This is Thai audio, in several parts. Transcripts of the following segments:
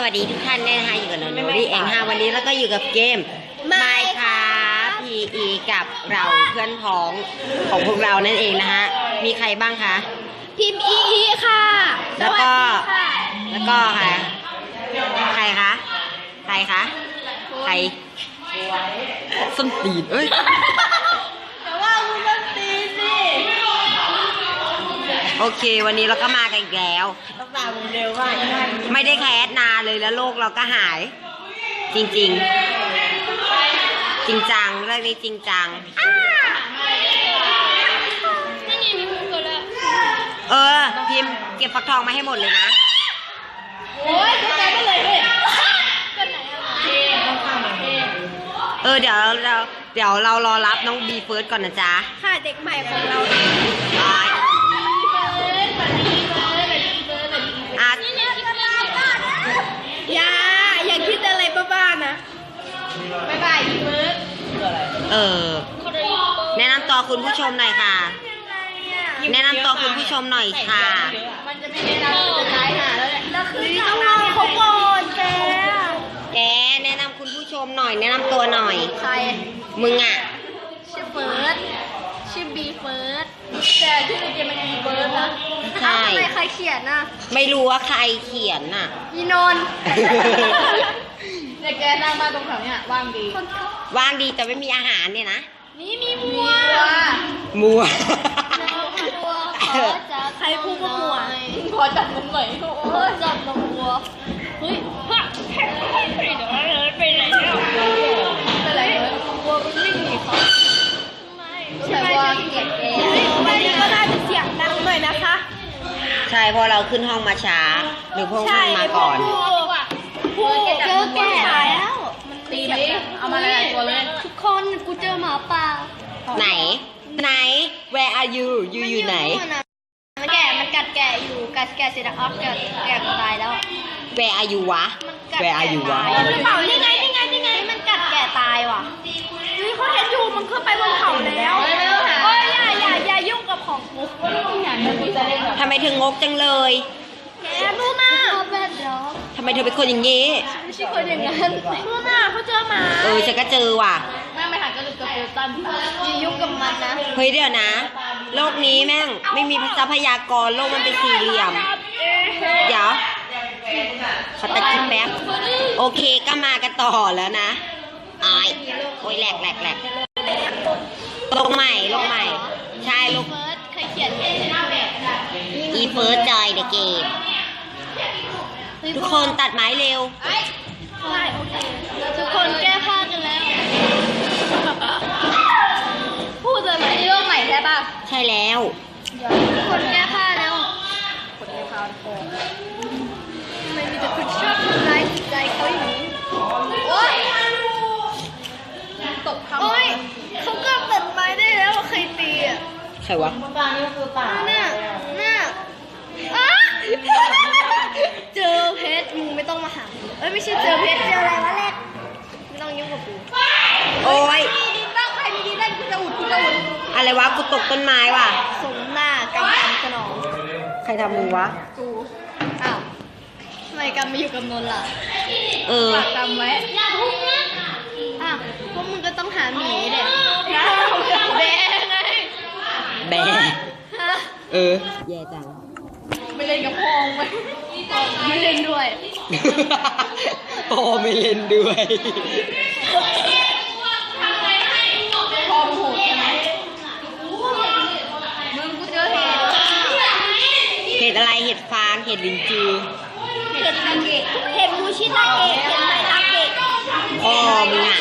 วัสดีทุกท่านด้วยนะคะอยู่กับโนโนรี่เองค่ะวันนี้แล้วก็อยู่กับเกม Minecraft PE กับเราเพื่อนพ้องของพวกเรานั่นเองนะคะมีใครบ้างคะพิมพ์ EE ค่ะแล้วก็ค่ะใครคะใครส้นตีนเอ้ยแต่ว่ามึงส้นตีนสิโอเควันนี้เราก็มากันอีกแล้วต้องตามมึงเร็วมากไม่ได้แคสนานเลยแล้วโลกเราก็หายจริงจังเรื่องนี้จริงจังพิมพ์เก็บฟักทองมาให้หมดเลยนะโอ้ยกูใจไม่เลยด้วยเดี๋ยวเรารอรับน้องบีเฟิร์สก่อนนะจ๊ะค่ะเด็กใหม่ของเราอย่าคิดอะไรบ้าๆนะบ๊ายบายบีเฟิร์สแนะนำตัวคุณผู้ชมหน่อยค่ะแนะนำตัวคุณผู้ชมหน่อยค่ะมันจะไม่แนะนำจะตายหาแล้วแหละแล้วคือต้องรอเขาก่อนแกแนะนำคุณผู้ชมหน่อยแนะนำตัวหน่อยใครมึงอ่ะชื่อเฟิร์สชื่อบีเฟิร์สแต่ชื่อในเกมมันบีเฟิร์สนะใช่ทำไมใครเขียนน่ะไม่รู้ว่าใครเขียนน่ะอีนนท์เนี่ยแกนั่งมาตรงแถวเนี้ยว่างดีแต่ไม่มีอาหารเนี่ยนะนี่มีมัวใครพูดว่ามัวขอจับนมหน่อยจับนมวัวเฮ้ยไปไหนเนี่ยไปไหนวัวมันวิ่งหนีเขาใช่ว่าเกียดแกวันนี้ก็น่าจะเสียงดังหน่อยนะคะใช่เพราะเราขึ้นห้องมาช้าหรือพวกมันมาก่อนพูดเจอแก่แล้วตีดิเอามาหลายตัวเลยทุกคนกูเจอหมาป่าไหน where are you อยู่ไหนมันกัดแกะอยู่กัดแกะเสร็จแล้วแกะตายแล้ว where are you วะ where are you วะนี่ไงมันกัดแกะตายว่ะนี่เขาเห็นอยู่มันขึ้นไปบนเขาแล้วอย่ายุ่งกับของกูทำไมถึงงกจังเลยแกรู้มาทำไมเธอเป็นคนอย่างนี้ไม่ใช่คนอย่างนั้นรู้มาเขาเจอหมาฉันก็เจอว่ะแม่ไม่หันกระดูกกระเปื้อนอย่ายุ่งกับมันนะเฮ้ยเดี๋ยวนะโลกนี้แม่งไม่มีทรัพยากรโลกมันเป็นสี่เหลี่ยมเดี๋ยวขอตัดคลิปแป๊บโอเคก็มากันต่อแล้วนะโอ้ยแหลกลงใหม่ใช่ลูกเคยเขียนอีเฟิร์สจอยเดอะเกมทุกคนตัดไม้เร็วทุกคนแก้ผ้ากันแล้วพูดเลยไหมเรื่องใหม่ใช่ป่ะใช่แล้วทุกคนแก้ผ้าแล้วคนแก้ผ้าทำไมมีแต่คนชอบทำร้ายจิตใจเขาอย่างนี้โอ๊ยตบเขาเขาก็ตัดไม้ได้แล้วใครตีอ่ะใครวะป่านี่ก็คือป่าน่ะเจอเพชรมึงไม่ต้องมาหาไม่ใช่เจอเพชรเจออะไรวะเล็กไม่ต้องยุ่งกับกูโอ้ยดีบ้างใครมีดีได้กูจะอุดอะไรวะกูตกต้นไม้ว่ะสมหน้ากำสนองใครทำมึงวะกูอ้าวทำไมกำมาอยู่กับนนท์ล่ะกำไว้พวกมึงก็ต้องหาหมีเด็กแบไงแบแย่จังไม่เล่นกับพ่อไหมไม่เล่นด้วยพ่อไม่เล่นด้วยพ่อโหดใช่ไหมมึงกูเจอเห็ดอะไรเห็ดฟางเห็ดลินจือเห็ดมูชิตาเกะเห็ดไมตาเกะพ่อมึงอ่ะ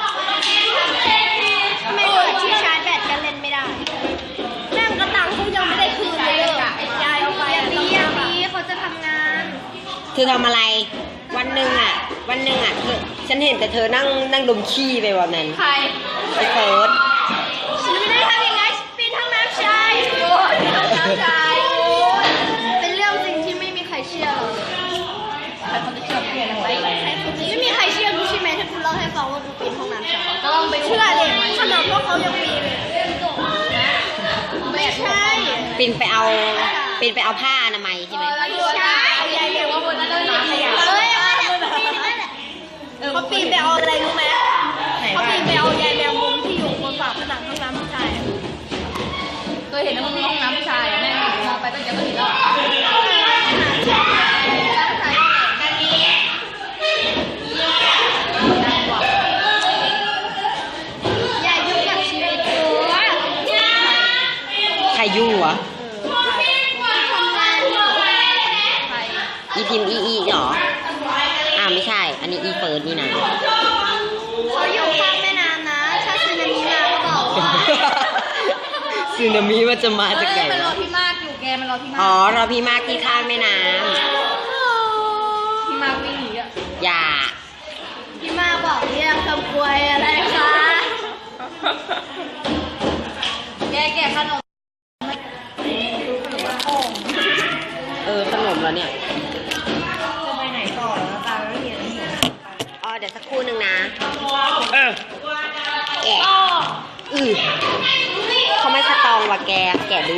ไม่เปิดที่ชาร์จแบตกันเล่นไม่ได้แม่งกระตังเขายังไม่ได้คืนเลยยายเอาไปปีเขาจะทำงานเธอทำอะไรวันหนึ่งอ่ะฉันเห็นแต่เธอนั่งดมขี้ไปวันนั้นใครไอ้เฟิร์สฉันไม่ได้ทำยังไงปีนห้องน้ำชายเป็นเรื่องจริงที่ไม่มีใครเชื่อเราใครคนจะเชื่อพี่อะไรไม่มีใครเชื่อกูใช่ไหมถ้ากูเล่าให้ฟังว่ากูปีนห้องน้ำชายก็ลองไปเชื่อเลยขนาดพวกเขายังปีนไม่ใช่ปีนไปเอาผ้าอนามัยใช่ไหมไม่ใช่ยายเรียกว่าบนนั้นเราขยะนี่อีเฟิร์นนี่นะเขาอยู่ข้างแม่น้ำนะถ้าสึนามิมาก็บอกว่าสึนามิมันจะมาจากไหนมันรอวะพี่มากอยู่แกมันรอพี่มากอ๋อรอพี่มากที่ข้างแม่น้พี่มากวิ่งหนีอ่ะำอย่าพี่มากบอกเรียกคำกวยอะไรคะแกขนมขนมแล้วเนี่ยจะไปไหนต่อแล้วตาไม่เห็นอ๋อเดี๋ยวสักครู่หนึ่งนะแกะเขาไม่สตองว่ะแกดู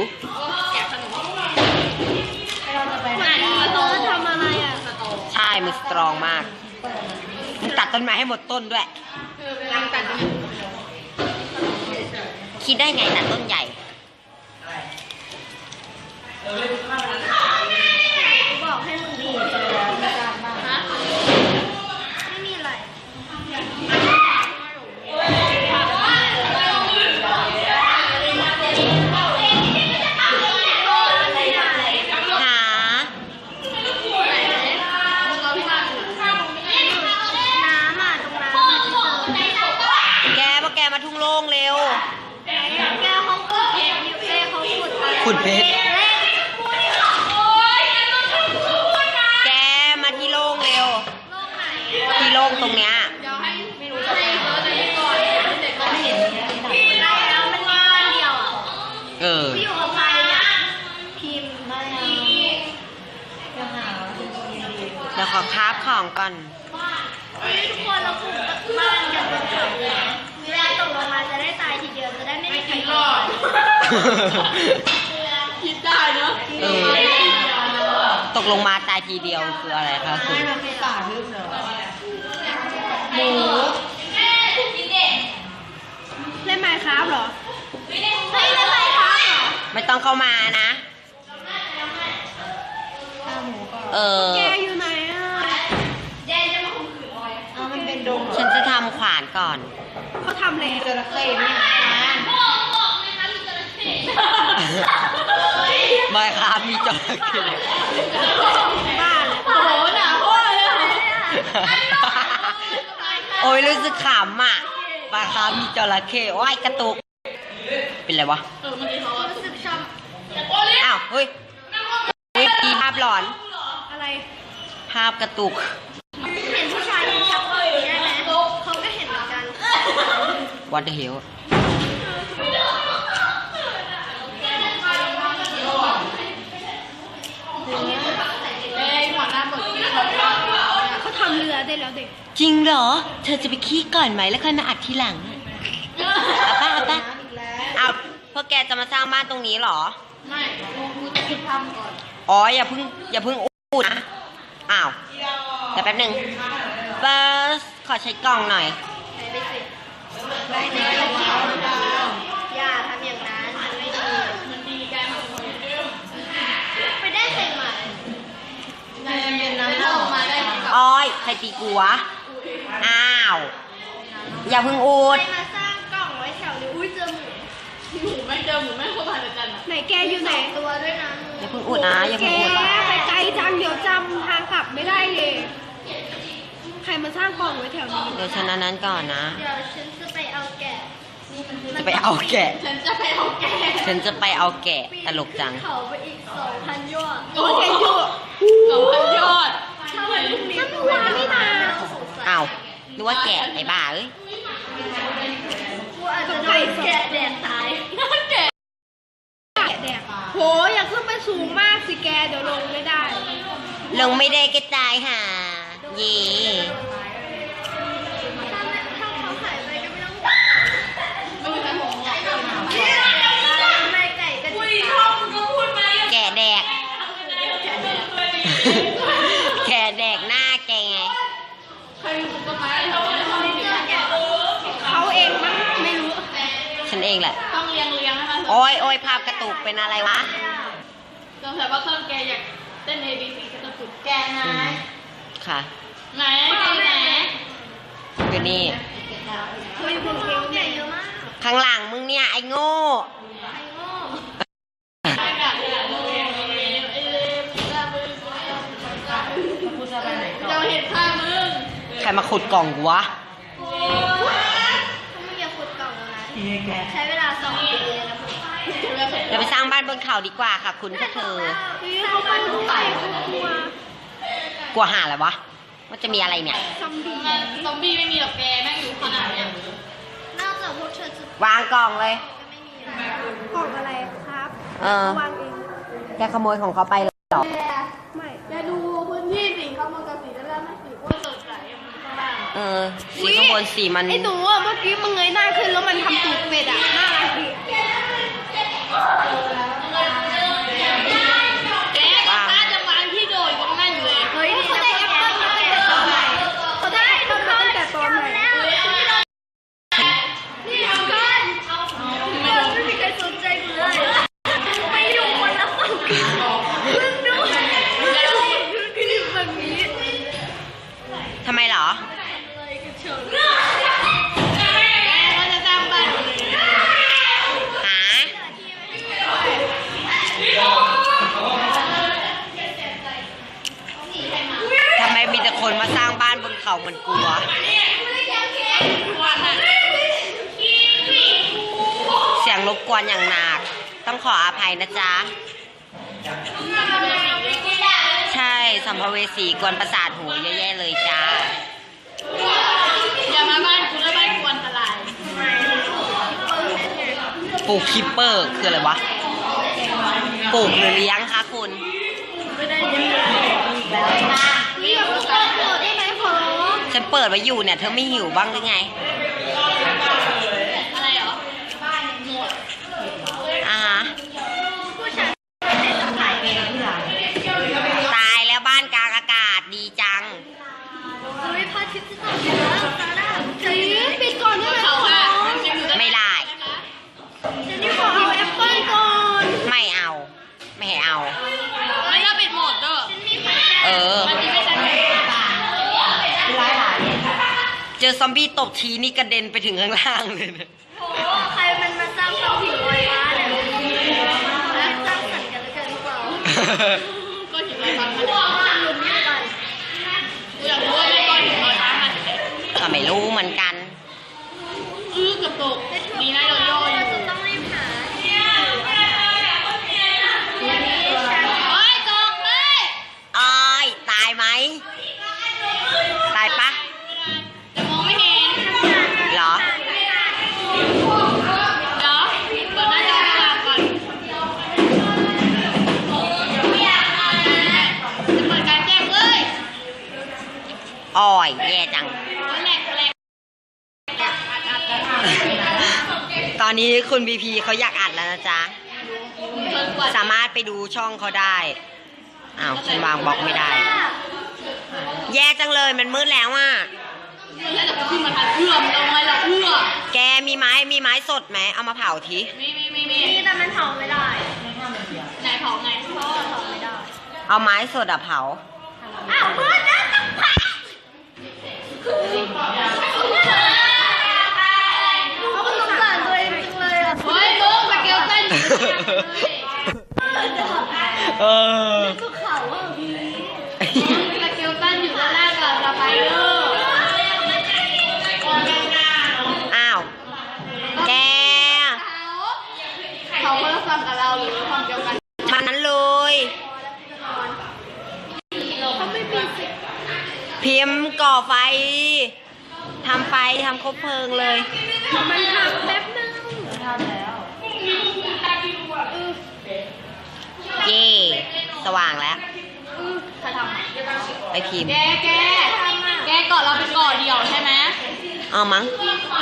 เขาทำอะไรอ่ะใช่มันสตรองมากมึงตัดต้นไม้ให้หมดต้นด้วย คิดได้ไงตัดต้นใหญ่บอกให้มึงดูไม่มีอะไรหาน้ำอ่ะตรงนั้นแกพวกแกมาทุ่งโล่งเร็วแกเขาขุดเพชรอยู่เขาขุดขุดเพชร แกมาที่โล่งเร็ว ที่โล่งตรงเนี้ยแล้วมันมีก้อนเดียวอ่ะ พี่อยู่กับใครเนี่ยพิมพ์ไม่เอาเดี๋ยวขอคราฟของก่อนทุกคนเราปลูกบ้านกันบนเขาเลยเวลาตกลงมาจะได้ตายทีเดียวจะได้ไม่มีใครรอดคิดได้เนาะตกลงมาตายทีเดียวคืออะไรคะคุณหมูเล่นไมค์ครับเหรอเฮ้ยเล่นไมค์ครับเหรอไม่ต้องเข้ามานะแกอยู่ไหนอ่ะแกจะมาข่มขืนออยมันเป็นดงฉันจะทำขวานก่อนเขาทำอะไรจระเข้เนี่ยไม่ครับมีจระเข้บ้านโอ้โหหนาโคตรเลยโอ้ยรู้สึกขำอ่ะปลาคาร์ฟมีจระเข้โอ้ยกระตุก เป็นไรวะรู้สึกช้อ้าวเฮ้ยมีภาพหลอนำอะไรภาพกระตุกเห็นผู้ชายยืนชักปืนใช่ไหมเขาก็เห็นเหมือนกัน What the hell เขาทำเรือได้แล้วเด็กจริงเหรอ เธอจะไปขี้ก่อนไหมแล้วค่อยมาอัดทีหลังเอาป่ะเอาพวกแกจะมาสร้างบ้านตรงนี้เหรอไม่กูจะคิดทำก่อนอ๋ออย่าเพิ่งอู้นะ อ้าวเดี๋ยวแป๊บหนึง first ขอใช้กล่องหน่อยไปสิได้เนื้ออย่าทำอย่างนั้นมันไม่ดีมันดีแกไปได้ใส่ใหม่เป็นน้ำออกมาได้อ้อยใครตีกูวะ อ้าว อย่าเพิ่งอูใคดรมาสร้างกล่องไว้แถวนี้อุ้ยเจอหมูไม่เจอหมูไม่เข้ามาในจันไหนแกอยู่ไหนตัวด้วยนะอย่าเพิ่งอูดนะ อย่าแกเพิ่งอูดไปไกลจังเดี๋ยวจำทางกลับไม่ได้เลย ใครมาสร้างกล่องไว้แถวนี้เดี๋ยวฉันอันนั้นก่อนนะเดี๋ยวฉันจะไปเอาแกะจะไปเอาแกะฉันจะไปเอาแกะฉันจะไปเอาแกะ ตลกจังเขาไปอีก 2,000 ยอดโอ้ยยอด2,000 ยอดถ้าวันพรุ่งนี้มันวานนี่นาอ้าวนึกว่าแกะไอ้บ้าเอ้ยกูอาจจะโดนแกะแดดตายแกะแดดโหอย่าขึ้นไปสูงมากสิแกเดี๋ยวลงไม่ได้ลงไม่ได้กระจายค่ะเย่ถ้าเขาหายไปก็ไม่ต้องไม่ไก่ก็ดีแกะแดก แกะแดกหน้าแกไงเขาเองมั้งไม่รู้ฉันเองแหละต้องเลี้ยงนะคะโอ้ยภาพกระตุกเป็นอะไรวะสงสัยว่าเครื่องแกอยากเต้น ABC กระตุกแกนะค่ะไหนแกไหนอยู่นี่คุยคุณเอวใหญ่เยอะมากข้างหลังมึงเนี่ย ไอ้โง่ไอ้โง่อากาศเนี่ยเราเห็นข้างมึงใครมาขุดกล่องกูวะถ้าไม่อยากขุดกล่องแล้วนะใช้เวลา2 ปีเลยนะคุณเดี๋ยวไปสร้างบ้านบนเขาดีกว่าค่ะ คุณพวกเธอเขาไปดูไก่กลัวกลัวหาอะไรวะว่าจะมีอะไรเนี่ยซอมบี้ซอมบี้ไม่มีหรอกแกแม่งอยู่ขนาดเนี้ยนอกจากพวกเธอจะวางกล่องเลยไม่มีกล่องอะไรครับ วางเองแกขโมยของเขาไปเหรอไม่จะดูพื้นที่สีขาวกับสีด้านล่างไม่สีอ้วนสดใสข้างล่างสีข้างบนสีมันไอ้หนูอ่ะเมื่อกี้มึงเงยหน้าขึ้นแล้วมันทำตูดเป็ดอ่ะน่ารักดีแกถ้าจะวางที่โดดตรงนั้นอยู่เลยเฮ้ยเขาได้แอปเปิ้ลมาตั้งแต่ตอนไหนเขาได้แอปเปิ้ลมาตั้งแต่ตอนไหนนี่ทำกันไม่มีใครสนใจกูเลยไปอยู่คนละฝั่งกันมึงดูคือแบบนี้ทำไมเหรอเราจะสร้างบ้านอยู่เลยหา ทำไมมีแต่คนมาสร้างบ้านบนเขาเหมือนกูวะวันน่ะเสียงรบกวนอย่างหนัก ต้องขออภัยนะจ๊ะ ใช่สัมภเวสีกวนประสาทหูเยอะแยะเลยจ้าอย่ามาบ้านกูแล้วบ้านกูอันตรายปลูกคิปเปอร์คืออะไรวะ ปลูกหรือเลี้ยงคะคุณนี่อยากรู้ตัวโปรดได้ไหมขอร้องฉันเปิดไว้อยู่เนี่ย เธอไม่หิวบ้างหรือไงอะไรเหรออ่าฮะผู้ชายจะถ่ายเองที่หลังตายแล้วบ้านกลางอากาศดีจังเฮ้ยพระอาทิตย์จะตกแล้วซาร่าเจนปิดก่อนได้ไหมขเขาอค่ะร้องมันยังอยู่ด้านไม่ได้เจนนี่ขอเอาแอปเปิ้ลก่อนไม่เอา ไม่ให้เอาไม่ถ้าปิดหมดก็เออมันจะไม่ทันเจอซอมบี้ตบทีนี่กระเด็นไปถึงข้างล่างเลยนะโอ้ใครมันมาสร้างเตาผิวลอยฟ้าเนี่ยแล้วสร้างสรรค์กันแล้วกันหรือเปล่าก็หินลอยฟ้ามันลุ้นกันกูอยากรู้ว่าไอ้ก้อนหินลอยฟ้ามันก็ไม่รู้เหมือนกันเกือบตกดีนะเราย่ออยู่จะต้องรีบหาเฮ้ยตกเลยอ้อยตายไหม ตายปะจะมองไม่เห็นเหรอเดี๋ยวเปิดหน้าจอตลาดก่อนจะเปิดการแจ้งเลยอ้อยแย่จังแหลกตอนนี้คุณบีพีเขาอยากอัดแล้วนะจ๊ะเปิดกว่าสามารถไปดูช่องเขาได้ อ้าวฉันวางบล็อกไม่ได้ แย่จังเลยมันมืดแล้วอ่ะแล้วจะขึ้นมาทันเอื้อมเราไงเราเอื้อแกมีไม้สดไหม เอามาเผาทีมีนี่แต่มันเผาไม่ได้ไหนเผาไงเพราะว่าเผาไม่ได้เอาไม้สดอะเผาอ้าวมืดแล้วต้องพักเขาสงสารตัวเองจังเลยอ่ะเฮ้ยมึงสเกลเต้นเออก็เขาอ่ะพี่สเกลเต้นอยู่ด้านล่างกับสไปเดอร์อ้าว แกเขาคนละฝั่งกับเราหรือฝั่งเดียวกันมันนั้นเลยเขาไม่มีสิทธิ์พิมพ์ก่อไฟ ทำไฟทำคบเพลิงเลยมันทำแป๊บนึงเย่สว่างแล้วใครทำไปพิมพ์แกเกาะเราเป็นเกาะเดี่ยวใช่ไหมเอามั้ง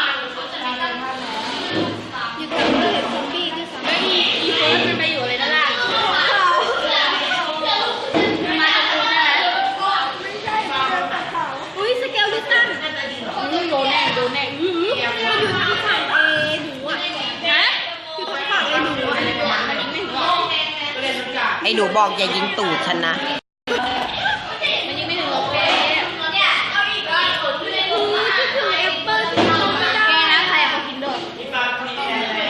อยู่ตรงนี้เห็นซอมบี้ด้วยซ้ำไม่มีอีเฟิร์สมันไปอยู่เลยด้านล่างมาจากกูใช่ไหมไม่ใช่มาจากเขาอุ้ยสเกลลิตันโดนแน่อยู่ทางฝั่งเอหนูอ่ะนะอยู่ทางฝั่งเอหนูอ่ะมันยิงไม่ถึงหรอกไอ้หนูบอกอย่ายิงตูดฉันนะมันยิงไม่ถึงหรอกแกคือแอปเปิ้ลที่เขาไม่ได้แกนะใครเขากินด้วยแอปเปิ้ลไม่ได้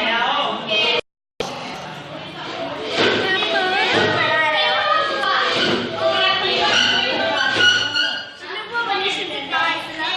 แล้วฉันนึกว่าวันนี้ฉันจะตายซะแล้ว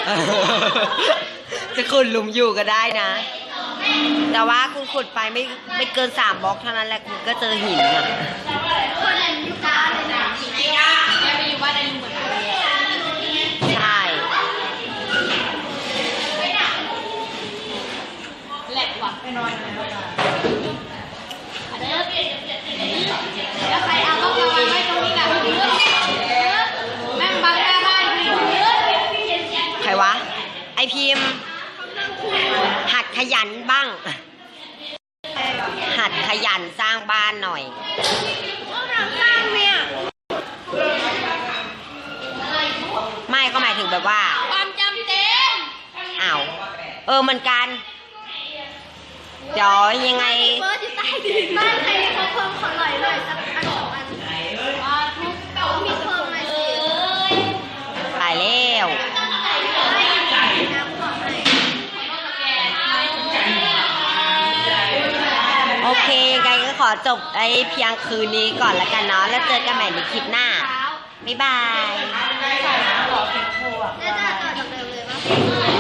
จะขุดหลุมอยู่ก็ได้นะ แต่ว่าคุณขุดไปไม่เกิน3 บล็อกเท่านั้นแหละคุณก็เจอหินอ่ะคนนั้นอยู่บ้านเลยนะแกไปอยู่บ้านในลุงเหมือนกันใช่แหลกว่ะไปนอนแล้วใครเอาก็มาวางไว้ตรงนี้กันแม่งบังหน้าบ้านพี่ใครวะ ไอพิมพ์ หัดขยันบ้าง หัดขยันสร้างบ้านหน่อยกำลังสร้างเนี่ยไม่ก็หมายถึงแบบว่าความจำเต็มอ้าว เหมือนกัน เดี๋ยวยังไงเฟิร์สอยู่ใต้ดินบ้านใครมีเขาเพิ่มขอหน่อยเลยสักอัน2 อันทุกมีเพิ่มหน่อยสิตายแล้วไม่น้ำขอให้โอเคยังไงก็ขอจบไอ้เพียงคืนนี้ก่อนละกันเนาะ แล้วเจอกันใหม่ในคลิปหน้า บ๊ายบายน่าจะต่อจากเดิมเลยปะ